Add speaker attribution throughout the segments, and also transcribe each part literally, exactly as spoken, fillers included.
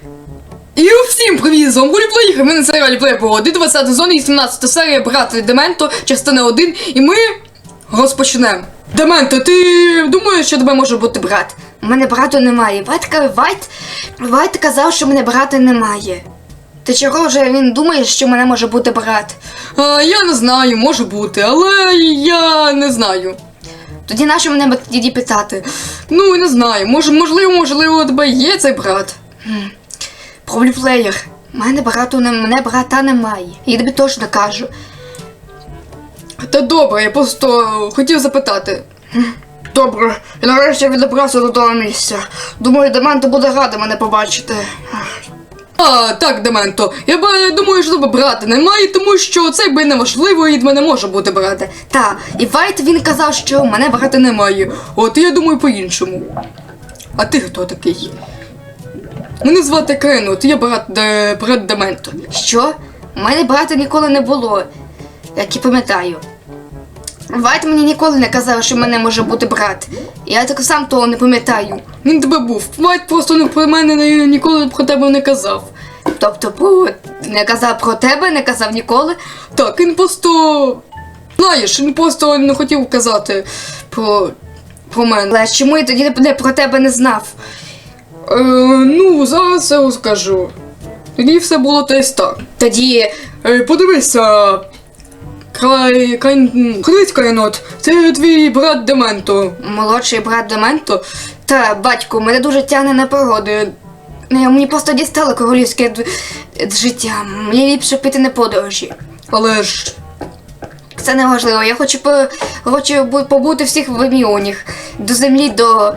Speaker 1: І всім привіт, з вами Гуліплеєр, ми на серіалі Плейбой, двадцята сезон і сімнадцята серія Брат Дементо, частина один, і ми розпочнемо. Дементо, ти думаєш, що тебе може бути брат?
Speaker 2: У мене брату немає. Вайт, Вайт, Вайт казав, що в мене брата немає. Ти чого вже він думає, що в мене може бути брат?
Speaker 1: А, я не знаю, може бути, але я не знаю.
Speaker 2: Тоді нащо мене тоді питати?
Speaker 1: Ну, не знаю, може, можливо, можливо, у тебе є цей брат.
Speaker 2: Пробліплеєр, у мене брату не мене брата немає. Я тобі точно кажу.
Speaker 1: Та добре, я просто хотів запитати.
Speaker 2: Добре, і нарешті відібрався до того місця. Думаю, Дементо буде радий мене побачити.
Speaker 1: А, так, Дементо, я б думаю, що тебе брата немає, тому що це якби неважливо і від мене може бути брата.
Speaker 2: Та, і Вайт він казав, що в мене брата
Speaker 1: Немає. От я думаю по-іншому. А ти хто такий? Мене звати Крен, от я брат, де, брат Дементо.
Speaker 2: Що? У мене брата ніколи не було, як і пам'ятаю. Вайт мені ніколи не казав, що в мене може бути брат. Я так сам того не пам'ятаю.
Speaker 1: Він тебе був. Вайт просто не про мене не, ніколи про тебе не казав.
Speaker 2: Тобто про... не казав про тебе, не казав ніколи?
Speaker 1: Так, він просто... Знаєш, він просто не хотів казати про, про мене.
Speaker 2: Але чому я тоді не про тебе не знав?
Speaker 1: Е, ну, зараз я розкажу. Тоді все було десь так.
Speaker 2: Тоді...
Speaker 1: Е, подивися... Край... Край... Ходить Крайнот, це твій брат Дементо.
Speaker 2: Молодший брат Дементо? Та, батько, мене дуже тягне на пригоди. Мені просто дістало королівське д... життя. Мені ліпше піти на подорожі.
Speaker 1: Але ж...
Speaker 2: Це не важливо. Я хочу, по... хочу побути всіх в Еміоніх. До землі, до...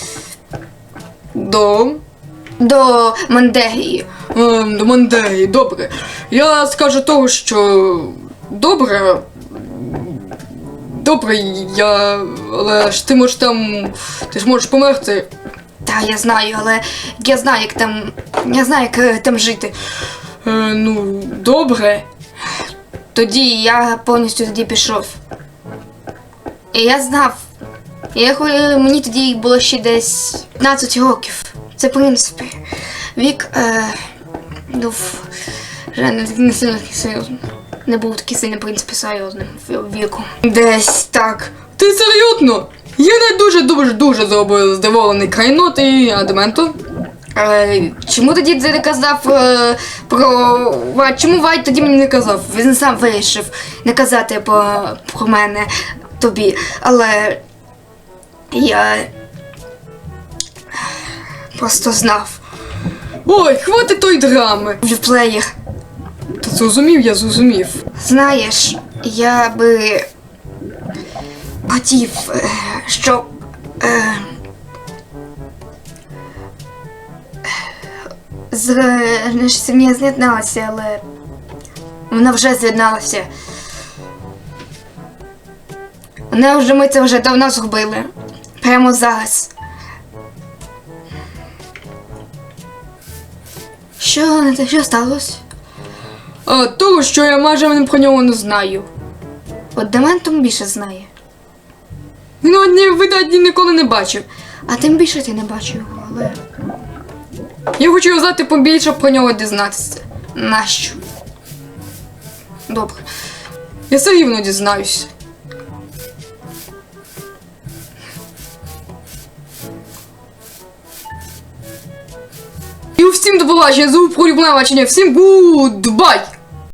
Speaker 1: До...
Speaker 2: до Мандегії.
Speaker 1: Ем, до Мандеї, добре. Я скажу того, що... Добре... Добре, я... Але ж ти можеш там... Ти ж можеш померти.
Speaker 2: Та, я знаю, але я знаю, як там... Я знаю, як е, там жити.
Speaker 1: Е, ну, добре.
Speaker 2: Тоді я повністю тоді пішов. І я знав. Я, хо- мені тоді було ще десь п'ятнадцять років. Це, в принципі, вік е, був вже не, не сильно такий серйозний. Не був такий сильно, в принципі, серйозним віком. Десь так.
Speaker 1: Ти серйозно? Я не дуже дуже дуже зробив здивований Крайнот і Дементо.
Speaker 2: Е, чому тоді ти не казав е, про Вайт? Чому Вайт тоді мені не казав? Він сам вирішив не казати про, про мене тобі. Але я просто знав.
Speaker 1: Ой, хватить той драми.
Speaker 2: Віплеєр,
Speaker 1: Та зрозумів, я зрозумів.
Speaker 2: знаєш, я би хотів, е, щоб е, з наша сім'я з'єдналася, але вона вже з'єдналася. Вона вже ми це вже давно зробили. Прямо зараз. Що, що сталося?
Speaker 1: А того, що я майже про нього не знаю.
Speaker 2: От Дементом більше знає.
Speaker 1: Він одні видатні ніколи не бачив.
Speaker 2: А тим більше ти не бачив його, але
Speaker 1: Я хочу знати побільше про нього дізнатися.
Speaker 2: нащо? Добре.
Speaker 1: Я все рівно дізнаюся. І всім до побачення, звук про бачення, всім гудбай!